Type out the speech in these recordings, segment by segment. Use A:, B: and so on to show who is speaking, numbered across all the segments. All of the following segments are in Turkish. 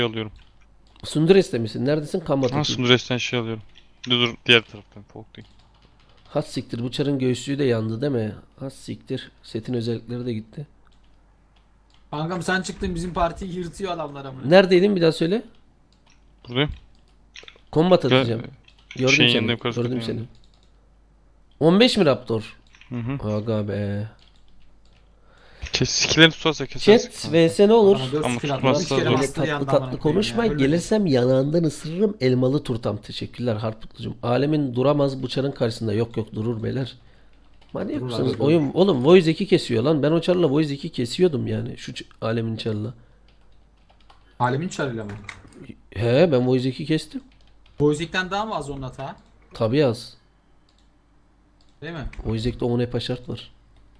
A: alıyorum.
B: Sundures'te misin? Neredesin? Kambat
A: Ha,
B: atayım.
A: Sundures'ten şey alıyorum. Dur diğer taraftan Polk değil.
B: Has siktir. Bu çarın göğsüğü de yandı değil mi? Has siktir. Setin özellikleri de gitti.
C: Kankam sen çıktın bizim partiyi yırtıyor adamlar amına.
B: Neredeydin bir daha söyle.
A: Buradayım.
B: Kombat
A: Gel,
B: atacağım. Gördüm
A: şeyin
B: seni.
A: yanında yukarı
B: Gördüm
A: çıkıyor
B: seni. 15 mi Raptor?
A: Hı hı.
B: Aga be.
A: Skillerini tutarsa kesersin.
B: Chat vs ne olur?
C: Adama 4
A: Ama
C: skill
A: tutmazsa
C: attı. 3 kere
A: zor.
B: Böyle
C: bastı
B: tatlı
C: yandı
B: tatlı
C: amına koyayım
B: konuşma.
C: ya. Ölmedi.
B: Gelirsem yanağından ısırırım elmalı turtam. Teşekkürler Harputlucum. Alemin duramaz bu çarın karşısında. Yok yok durur beyler. Manyak
C: Durur
B: mısınız?
C: abi, durur.
B: Oyun oğlum Voice 2 kesiyor lan. Ben o çarla Voice 2 kesiyordum yani. Şu alemin çarla.
C: Alemin çarıyla mı?
B: He ben Voice 2 kestim.
C: Boyzik'ten daha mı az onun hata?
B: Tabii az.
C: Değil mi?
B: Voice 2'de 10 epa şart var.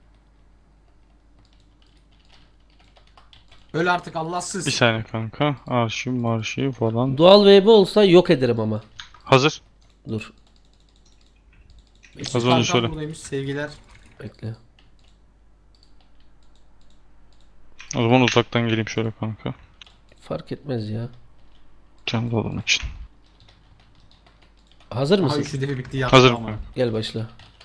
C: Öl artık Allahsız.
A: Bir saniye kanka. Arşiv falan.
B: Dual VB olsa yok ederim ama.
A: Hazır.
B: Dur
C: İşte
A: Az önce
C: kankam
A: söyle.
C: buradaymış sevgiler.
B: bekle.
A: O zaman uzaktan geleyim şöyle kanka.
B: Fark etmez ya.
A: Canlı olan için.
B: Hazır
C: Aha
B: mısın?
C: üçü de bitti yattı
A: Hazırım
C: ama.
A: kanka.
B: Gel başla.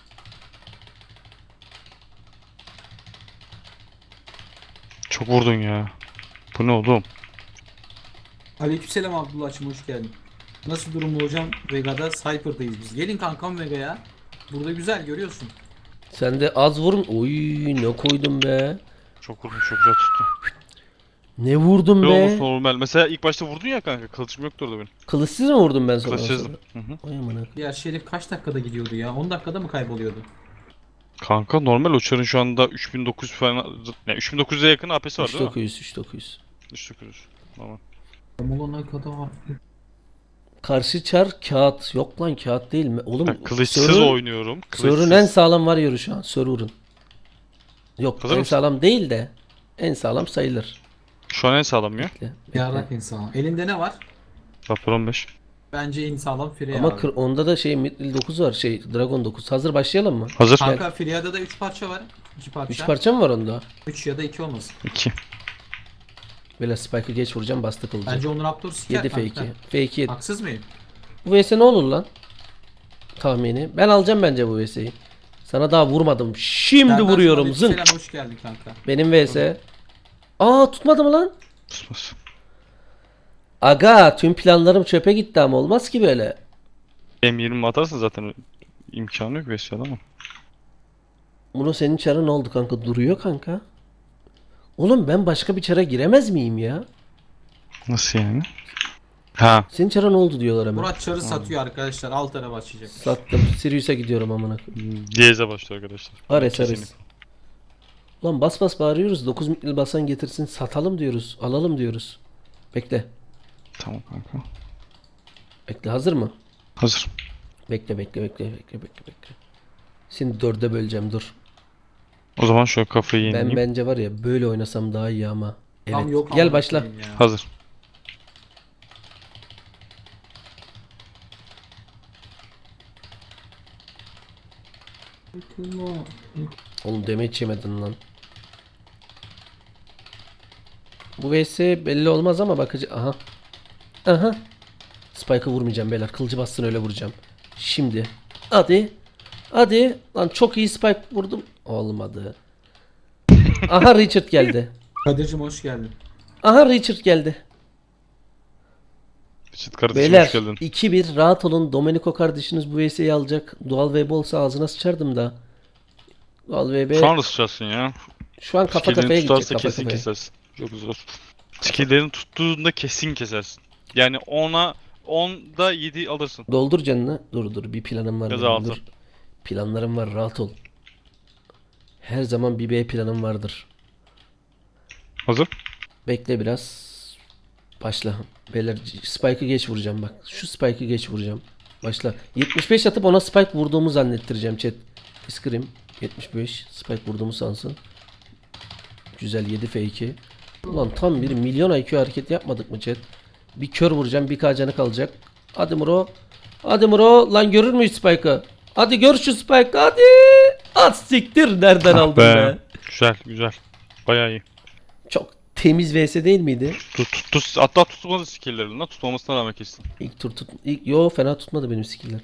A: Çok vurdun ya. Bu ne oğlum?
C: Aleykümselam Abdullah'cığım hoş geldin. Nasıl durum hocam? Vega'da Cypher'dayız biz. Gelin kankam Vega'ya. Burada güzel görüyorsun.
B: Sen de az vurun. Oy ne koydum be.
A: Çok vurdun, çok güzel tuttu.
B: Ne vurdum
A: Ne olmuş
B: be.
A: normal. Mesela ilk başta vurdun ya kanka. Kılıçım yoktu orada benim.
B: Kılıçsız mı vurdum ben sana?
A: Kılıçsızdım. Hı hı.
B: Oy amına.
C: Diğer Şerif kaç dakikada gidiyordu ya? 10 dakikada mı kayboluyordu?
A: Kanka normal uçarın şu anda 3900 falan. Yani 3900'e yakın AP'si var değil mi?
B: 3900 3900.
A: 3900. Tamam.
C: Molona kadar.
B: Karşı çar kağıt. Yok lan kağıt değil mi? Oğlum
A: Ben kılıçsız
B: Sör'ün-
A: oynuyorum.
B: Sör'ün en sağlam var yoru şu an. Server'ın. Yok
A: Hazır
B: en
A: mısın?
B: sağlam değil de en sağlam sayılır.
A: Şu an en sağlam ya.
B: Bekle, bekle.
C: Yarrak insan. Elinde ne var?
A: Raptor 15.
C: Bence en sağlam Freya
B: Ama
C: abi.
B: onda da şey Mithril 9 var. Şey Dragon 9. Hazır başlayalım mı?
A: Hazır.
C: Kanka Freya'da da 3 parça var. 2 parça.
B: 3 parça mı var onda?
C: 3 ya da 2 olmasın.
A: 2.
B: Böyle spike'ı geç vuracağım bastı kılıcı.
C: Bence Onur Raptor siker
B: 7
C: kanka.
B: F2. F2 7.
C: Haksız mıyım?
B: Bu vs ne olur lan? Tahmini. Ben alacağım bence bu vs'yi. Sana daha vurmadım. Şimdi
C: Senden
B: vuruyorum.
C: sonra
B: Zınk.
C: Selam hoş geldin kanka.
B: Benim vs. Aa tutmadı mı lan?
A: Tutmaz.
B: Aga tüm planlarım çöpe gitti ama olmaz ki böyle.
A: M20 atarsın zaten imkanı yok Vesya'da ama.
B: Bunu senin çarın oldu kanka. Duruyor kanka. Oğlum ben başka bir çara giremez miyim ya?
A: Nasıl yani? Ha.
B: Senin çarın oldu diyorlar hemen.
C: Murat Çar'ı satıyor arkadaşlar. Alt ara başlayacak.
B: Sattım. Sirius'a gidiyorum amına koyayım.
A: Diyeze başlıyor arkadaşlar.
B: Ares
A: Kesinlikle.
B: Ares. Lan bas bas bağırıyoruz. 9 mitril basan getirsin. Satalım diyoruz. Alalım diyoruz. Bekle.
A: Tamam kanka.
B: Bekle hazır mı?
A: Hazır.
B: Bekle. Şimdi 4'e böleceğim dur.
A: O zaman şöyle kafayı yenileyim.
B: Ben bence var ya böyle oynasam daha iyi ama. Evet.
C: Tam yok
B: Gel
C: amına
B: başla.
C: koyayım ya.
A: Hazır.
B: Oğlum damage yemedin lan. Bu vs belli olmaz ama bakıcı. Aha. Aha. Spike'ı vurmayacağım beyler. Kılıcı bassın öyle vuracağım. Şimdi. Hadi. Hadi. Lan çok iyi spike vurdum. Olmadı. Aha Richard geldi.
C: Kadir'cim hoş geldin.
B: Aha Richard geldi.
A: Çıt kardeşim
B: Beyler
A: hoş geldin.
B: 2-1 rahat olun. Domenico kardeşiniz bu VS'yi alacak. Dual VB olsa ağzına sıçardım da. Dual VB
A: Şu an ısıracaksın ya.
B: şu an kafa
A: Skillerini
B: kafaya gidecek.
A: tutarsa
B: Kafa
A: kesin
B: kafaya.
A: kesersin. Çok zor. Skillerini tuttuğunda kesin kesersin. Yani 10'da 7 alırsın.
B: Doldur canını. Dur bir planım var.
A: Göz
B: benim,
A: altı.
B: dur. Planlarım var rahat ol. Her zaman bir B planım vardır.
A: Hazır.
B: Bekle biraz. Başla. Beyler spike'ı geç vuracağım bak. Şu spike'ı geç vuracağım. Başla. 75 atıp ona spike vurduğumu zannettireceğim chat. Scream 75 spike vurduğumu sansın. Güzel 7 F2. Ulan tam bir milyon IQ hareket yapmadık mı chat? Bir kör vuracağım, bir canı kalacak. Hadi Muro. Hadi Muro. Lan görür müyüz spike'ı? Hadi gör şu spike'ı hadi. At siktir nereden aldın be?
A: Güzel güzel. Bayağı iyi.
B: Çok temiz vs değil miydi?
A: Hatta tutmadı skill'lerini lan. Tutmamasına rağmen kestin.
B: İlk tur yo fena tutmadı benim skill'ler.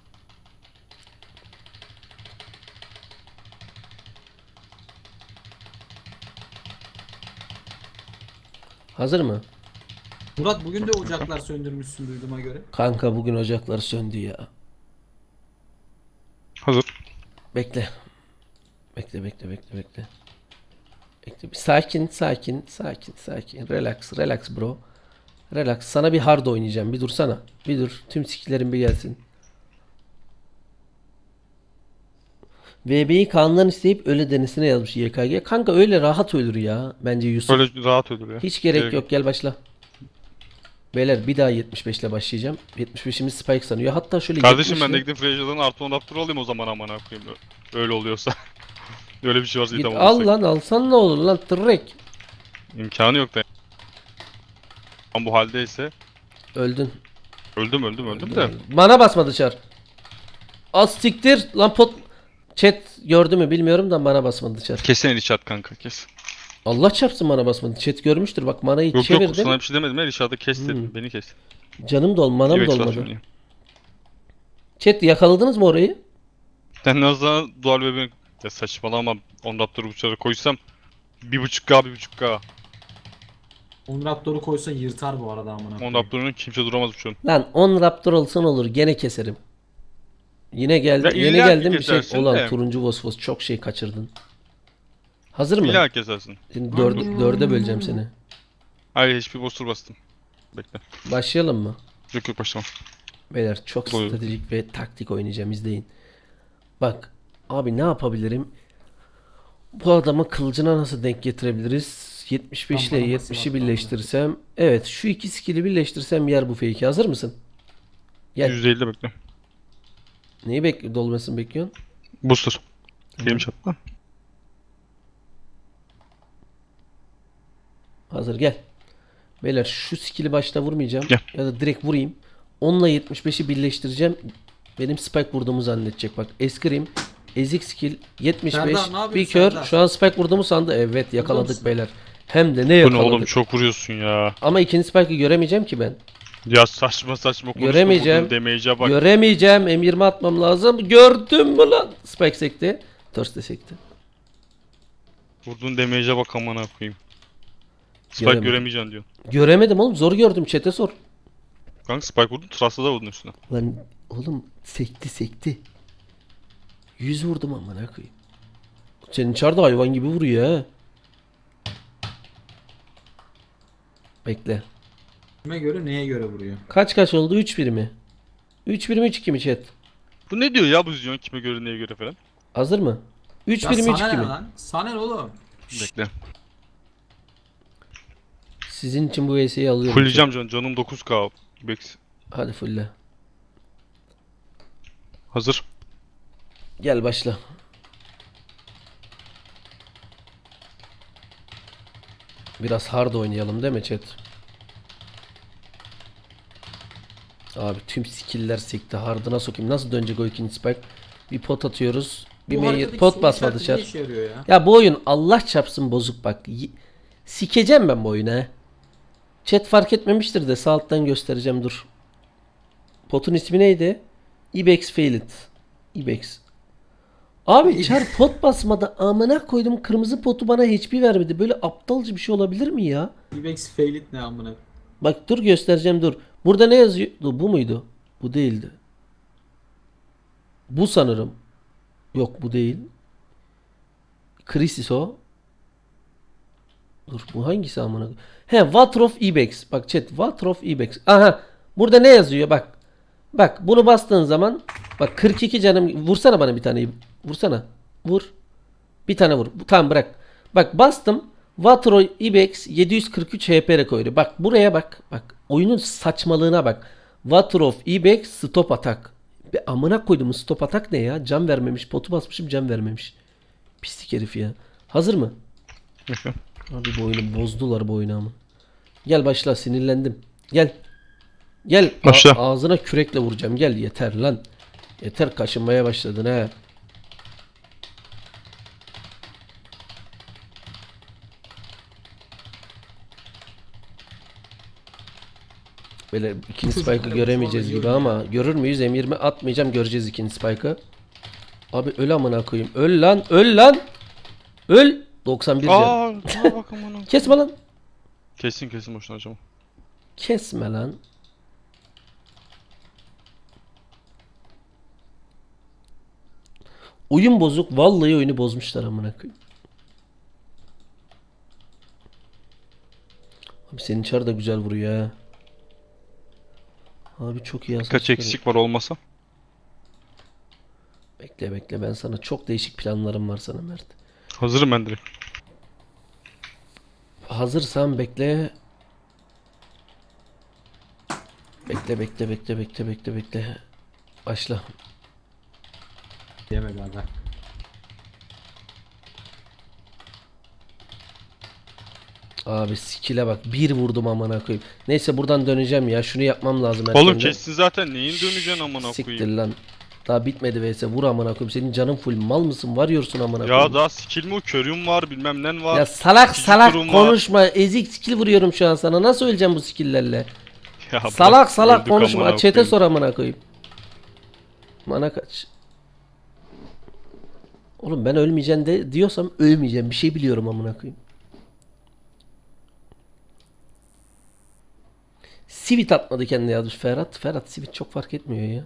B: Hazır mı?
C: Murat bugün de ocaklar söndürmüşsün duyduğuma göre.
B: Kanka bugün ocaklar söndü ya.
A: Hazır.
B: Bekle. Bekle. Bekle. Bir sakin. Relax bro. Relax. Sana bir hard oynayacağım. Bir dursana. Bir dur. Tüm skill'lerin bir gelsin. VB'yi Kaan'dan isteyip öyle denesine yazmış YKG. Kanka öyle rahat ölür ya. Bence Yusuf.
A: Böyle rahat ölür ya.
B: Hiç gerek yok. Gel başla. Beyler bir daha 75 ile başlayacağım. 75'imiz Spike sanıyor. Hatta şöyle
A: Kardeşim
B: 70'le
A: ben de gidip Freja'dan artı 10 Raptor alayım o zaman amına koyayım. Öyle oluyorsa. Öyle bir şey varsa
B: git
A: idam
B: al
A: olursak.
B: lan alsan ne olur lan tırrek.
A: İmkanı yok da. Ama bu haldeyse
B: Öldün.
A: öldüm de.
B: Bana basma dışarı. Az siktir lan pot. Chat gördü mü bilmiyorum da bana basmadı dışarı.
A: Kesin el at kanka kes.
B: Allah çarpsın bana basmadı. Chat görmüştür bak manayı
A: Yok
B: çevirdim.
A: sana bir şey demedim. El içeride kes dedim. Beni kes.
B: Canım manam
A: Direkt
B: dolmadı.
A: saçmalıyım.
B: Chat yakaladınız mı orayı?
A: Ben az daha dual web'e ya saçmalama 10 Raptor'u bıçağı koysam 1.5K.
C: 10 Raptor'u koysa yırtar bu arada amına
A: 10
C: koyayım.
A: Raptor'un kimse duramaz bıçağın.
B: Lan 10 Raptor olsun olur gene keserim. Yine geldi.
A: Ya
B: Yeni
A: illa ki
B: geldim bir şey.
A: kesersin
B: Ulan
A: de.
B: turuncu Vosvos çok şey kaçırdın. Hazır mı?
A: İlla kesersin.
B: Şimdi dörde böleceğim seni.
A: Hayır hiçbir boss'ur bastım. Bekle.
B: Başlayalım mı?
A: Yok başlamam.
B: Beyler çok
A: Buyurun.
B: stratejik ve taktik oynayacağım izleyin. Bak abi ne yapabilirim? Bu adamı kılıcına nasıl denk getirebiliriz? 75 ile
C: Tam bana
B: 70'i
C: basın
B: birleştirsem. Evet şu iki skill'i birleştirsem yer bu fake'i. Hazır mısın? Gel.
A: %50'de bekle.
B: Neyi dolmasını bekliyorsun?
A: Booster. Benim çatla.
B: Hazır gel. Beyler şu skill'i başta vurmayacağım.
A: Gel.
B: Ya da direkt vurayım. Onunla 75'i birleştireceğim. Benim spike vurduğumu zannedecek bak. Eskrim. Ezik skill 75.
C: Serdar, ne yapıyorsun
B: Bir kör.
C: Serdar?
B: Şu an spike vurduğumu sandı. Evet yakaladık
C: musun?
B: beyler. Hem de ne
A: Bu ne
B: yakaladık.
A: oğlum çok vuruyorsun ya.
B: Ama ikinci spike'ı göremeyeceğim ki ben.
A: Ya saçma konuşma.
B: Göremeyeceğim.
A: Vurdun damage'e bak.
B: Göremeyeceğim. M20 atmam lazım. Gördün mü lan? Spike sekti. Thirst de sekti.
A: Vurdun damage'e bak amına koyayım. Spike
B: Göremedim.
A: göremeyeceksin diyor.
B: Göremedim oğlum. Zor gördüm. Chat'e sor.
A: Kanka Spike vurdun Trust'ta da vurdun üstüne.
B: Lan oğlum sekti. 100 vurdum amına koyayım. Senin çarda hayvan gibi vuruyor ha. Bekle.
C: Kime göre neye göre vuruyor?
B: Kaç oldu? 3-1 mi? 3-1 mi 3-2 mi chat?
A: Bu ne diyor ya bu Zion kime göre neye göre falan.
B: Hazır mı?
C: Ya
B: 3-1 mi
C: sana
B: 3-2
C: ne
B: mi?
C: lan? Sana ne oğlum?
A: Bekle.
B: Sizin için bu VS'yi alıyorum.
A: Fulleyeceğim canım 9K. Bex.
B: Hadi fulle.
A: Hazır.
B: Gel başla. Biraz hard oynayalım değil mi chat? Abi tüm skill'ler sekti. Hard'ına sokayım. Nasıl dönecek o ikinci spike? Bir pot atıyoruz. Bir
C: Bu
B: mail
C: haritadaki
B: pot
C: soru
B: basma
C: işareti
B: dışarı.
C: ne işe yarıyor ya?
B: Ya bu oyun Allah çarpsın bozuk bak. Sikeceğim ben bu oyunu he. Chat fark etmemiştir de sağ alttan göstereceğim dur. Potun ismi neydi? Ibex Failed. Ibex. Abi çar pot basmada amına koydum kırmızı potu bana HP vermedi. Böyle aptalca bir şey olabilir mi ya?
C: Ibex Failit ne amına?
B: Bak dur göstereceğim dur. Burada ne yazıyor? Dur, bu muydu? Bu değildi. Bu sanırım. Yok bu değil. Krisis o. Dur bu hangisi amına? He Water of Ibex. Bak chat Water of Ibex. Aha. Burada ne yazıyor bak. Bak bunu bastığın zaman bak 42 canım vursana bana bir tane. Vursana. Vur. Bir tane vur. Tamam bırak. Bak bastım. Water of Ibex 743 HP rekoru. Bak buraya bak. Bak oyunun saçmalığına bak. Water of Ibex stop atak. Be amına koydum stop atak ne ya? Can vermemiş. Potu basmışım can vermemiş. Pislik herif ya. Hazır mı? Abi bu oyunu bozdular bu oyunu ama. Gel başla sinirlendim. Gel. Gel.
A: Başla.
B: Ağzına kürekle vuracağım. Gel yeter lan. Yeter kaşınmaya başladın ha. Böyle ikinci spike'ı göremeyeceğiz gibi ama görür müyüz? M20 atmayacağım, göreceğiz ikinci spike'ı. Abi öl amına koyayım. Öl lan, öl lan. Öl. 91 can.
A: Aa bak aman.
B: Kesme lan.
A: Kesin boşuna acaba.
B: Kesme lan. Oyun bozuk. Vallahi oyunu bozmuşlar amına koyayım. Abi senin çar da güzel vuruyor ha. Abi çok iyi hasar
A: Kaç
B: çıkarıyor.
A: eksik var olmasa?
B: Bekle bekle, ben sana çok değişik planlarım var sana Mert.
A: Hazırım ben direkt.
B: Hazırsan bekle. Bekle. Başla.
C: Diyemedi aga.
B: Abi skill'e bak. Bir vurdum amına koyayım. Neyse buradan döneceğim ya. Şunu yapmam lazım
A: Oğlum
B: erkenden.
A: kessin zaten neyin döneceksin amına
B: Siktir
A: koyayım.
B: lan. Daha bitmedi vs. Vur amına koyayım. Senin canın full. Mal mısın? Varıyorsun amına
A: Ya
B: koyayım.
A: daha skill mi, körüm var, bilmem nen var.
B: Ya salak
A: İkinci
B: salak
A: turum var.
B: konuşma. Ezik skill vuruyorum şu an sana. Nasıl öleceğim bu skill'lerle?
A: Ya bırak,
B: Salak salak
A: öldük
B: konuşma.
A: amına
B: Chat'e
A: koyayım.
B: sor amına koyayım. Mana kaç? Oğlum ben ölmeyeceğim de diyorsam ölmeyeceğim. Bir şey biliyorum amına koyayım. Sivit atmadı kendine yazmış Ferhat. Ferhat Sivit çok fark etmiyor ya.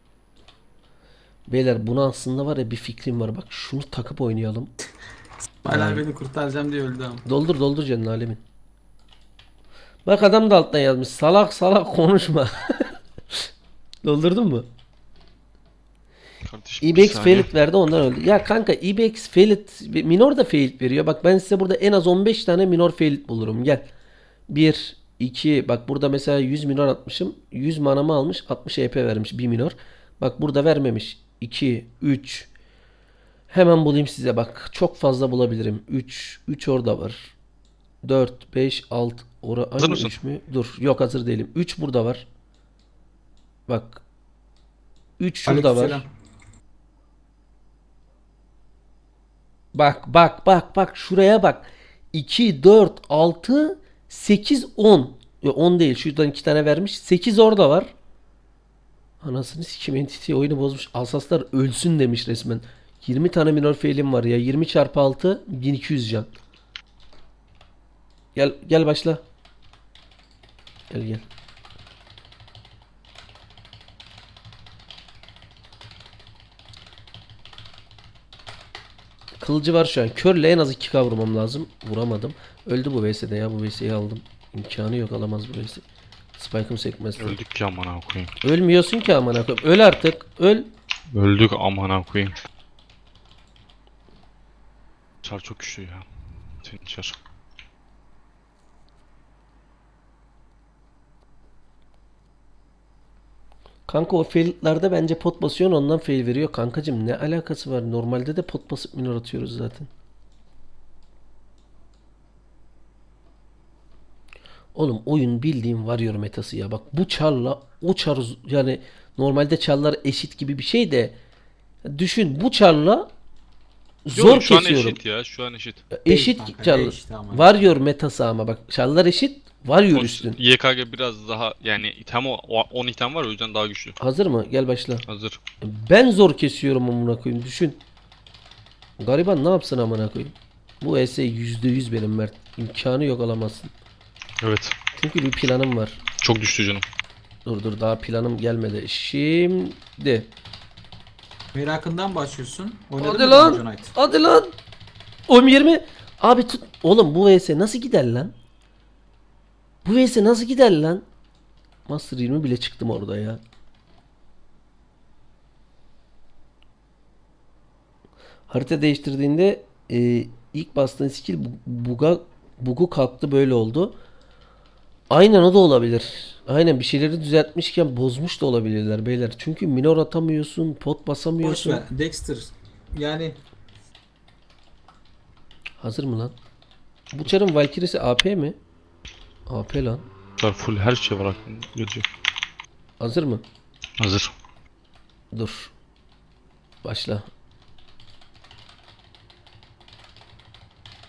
B: Beyler buna aslında var ya bir fikrim var. Bak şunu takıp oynayalım.
C: Hala beni kurtaracağım diye öldü ama.
B: Doldur canın alemin. Bak adam da alttan yazmış. Salak salak konuşma. Doldurdun mu?
A: Kardeşim, bir
B: IBX
A: saniye.
B: failit verdi ondan öldü. Ya kanka IBX failit minor da failit veriyor. Bak ben size burada en az 15 tane minor failit bulurum. Gel. 1 2 bak burada mesela 100 minor atmışım. 100 manamı almış. 60 EP vermiş bir minor. Bak burada vermemiş. 2 3 hemen bulayım size bak. Çok fazla bulabilirim. 3 orada var. 4 5 6
A: Hazır
B: aynı
A: mısın?
B: 3 mü? Dur. Yok hazır değilim. 3 burada var. Bak. 3 şurada var.
C: Aleykümselam.
B: Bak şuraya bak. 2 4 6 8 10. Yo, 10 değil. Şuradan 2 tane vermiş. 8 orada var. Anasını sikim, Entity oyunu bozmuş. Alsaslar ölsün demiş resmen. 20 tane minor fail'im var ya. 20 çarpı 6 1200 can. Gel başla. Gel. Kılıcı var şu an. Körle en az 2K vurmam lazım. Vuramadım. Öldü bu VS'de ya. Bu VS'yi aldım. İmkanı yok, alamaz bu VS. Spike'ım sekmez.
A: Öldük ki amına koyayım.
B: Ölmüyorsun ki amına koyayım. Öl artık. Öl.
A: Öldük amına koyayım. Çar çok güçlü ya. Senin çar.
B: Kanka o faillerde bence pot basıyorsun, ondan fail veriyor. Kankacım ne alakası var? Normalde de pot basıp minor atıyoruz zaten. Oğlum oyun bildiğin Warrior metası ya. Bak bu çarla o çar yani normalde çarlar eşit gibi bir şey de düşün bu çarla zor
A: Yok, şu an
B: kesiyorum.
A: eşit ya, şu an eşit.
B: Eşit
C: Kanka,
B: çarlar.
C: eşit ama.
B: Warrior metası ama bak çarlar eşit, Warrior üstün.
A: YKG biraz daha yani item 10 item var, o yüzden daha güçlü.
B: Hazır mı? Gel başla.
A: Hazır.
B: Ben zor kesiyorum amına koyayım, düşün. Gariban ne yapsın amına koyayım? Bu ES %100 benim Mert. İmkanı yok, alamazsın.
A: Evet.
B: Çünkü bir planım var.
A: Çok düştü canım.
B: Dur daha planım gelmedi. Şimdi.
C: Merakından başlıyorsun. Oynadın
B: Hadi
C: mı
B: lan.
C: Dungeon Knight?
B: Hadi lan. 10-20. Abi tut. Oğlum bu VS nasıl gider lan? Bu VS nasıl gider lan? Master 20 bile çıktım orada ya. Harita değiştirdiğinde ilk bastığın skill bugu kalktı, böyle oldu. Aynen o da olabilir. Aynen bir şeyleri düzeltmişken bozmuş da olabilirler beyler. Çünkü minor atamıyorsun, pot
C: Boş
B: basamıyorsun.
C: ver. Dexter. Yani
B: Hazır mı lan? Bu çarın Valkyrie'si AP mi? AP lan.
A: Çar full her şey var aklımda. Gözüyor.
B: Hazır mı?
A: Hazır.
B: Dur. Başla.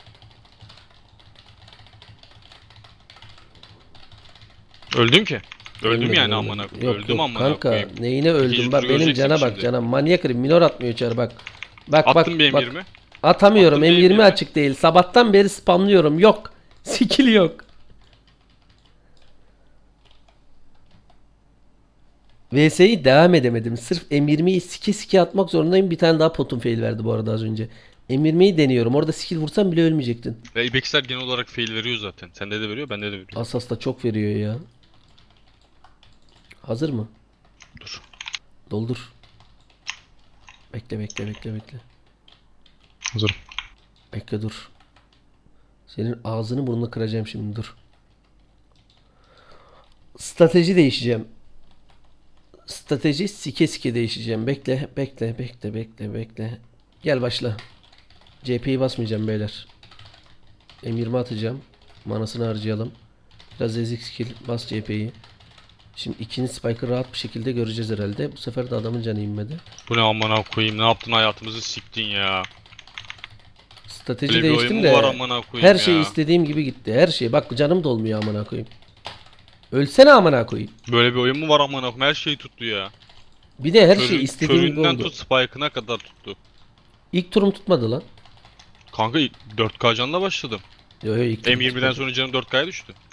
A: Öldün ki. Öldüm
B: Ölmedim,
A: yani
B: ölmedim.
A: amına koyayım.
B: Yok
A: Öldüm
B: yok
A: amına
B: kanka,
A: koyayım.
B: neyine öldüm
A: İkinci
B: bak,
A: turu
B: benim
A: göreceksin
B: cana bak,
A: şimdi.
B: cana manyak herif, minor atmıyor içeri bak. Bak
A: Attım bir
B: bak
A: M20.
B: atamıyorum,
A: Attım
B: M20
A: M20.
B: açık değil, sabahtan beri spamlıyorum, yok. Skill yok. VS'yi devam edemedim. Sırf M20'yi sike sike atmak zorundayım. Bir tane daha potum fail verdi bu arada az önce. M20'yi deniyorum. Orada skill vursam bile ölmeyecektin.
A: Ve Ibex'ler genel olarak fail veriyor zaten. Sende de veriyor, bende de veriyor.
B: Asas da çok veriyor ya. Hazır mı?
A: Dur.
B: Doldur. Bekle bekle bekle bekle.
A: Hazırım.
B: Bekle dur. Senin ağzını burnunu kıracağım şimdi, dur. Strateji değişeceğim. Strateji sike sike değişeceğim. Bekle bekle bekle bekle bekle. Gel başla. CP'yi basmayacağım beyler. M20 atacağım. Manasını harcayalım. Biraz ezik skill. Bas CP'yi. Şimdi ikinci spike'ı rahat bir şekilde göreceğiz herhalde. Bu sefer de adamın canı inmedi.
A: Bu ne amına koyayım? Ne yaptın, hayatımızı siktin ya.
B: Strateji
A: Böyle bir
B: değiştim
A: oyun mu var
B: de
A: amına koyayım
B: her
A: ya?
B: şey istediğim gibi gitti. Her şey. Bak canım dolmuyor amına koyayım. Ölsene amına koyayım.
A: Böyle bir oyun mu var amına koyayım? Her şey tuttu ya.
B: Bir de her şey istediğim gibi
A: köründen
B: oldu.
A: tut spike'ına kadar tuttu.
B: İlk turum tutmadı lan.
A: Kanka 4K canla başladım.
B: Yo, yo, ilk turum
A: M20'den
B: tutmadı.
A: sonra canım 4K'ya düştü.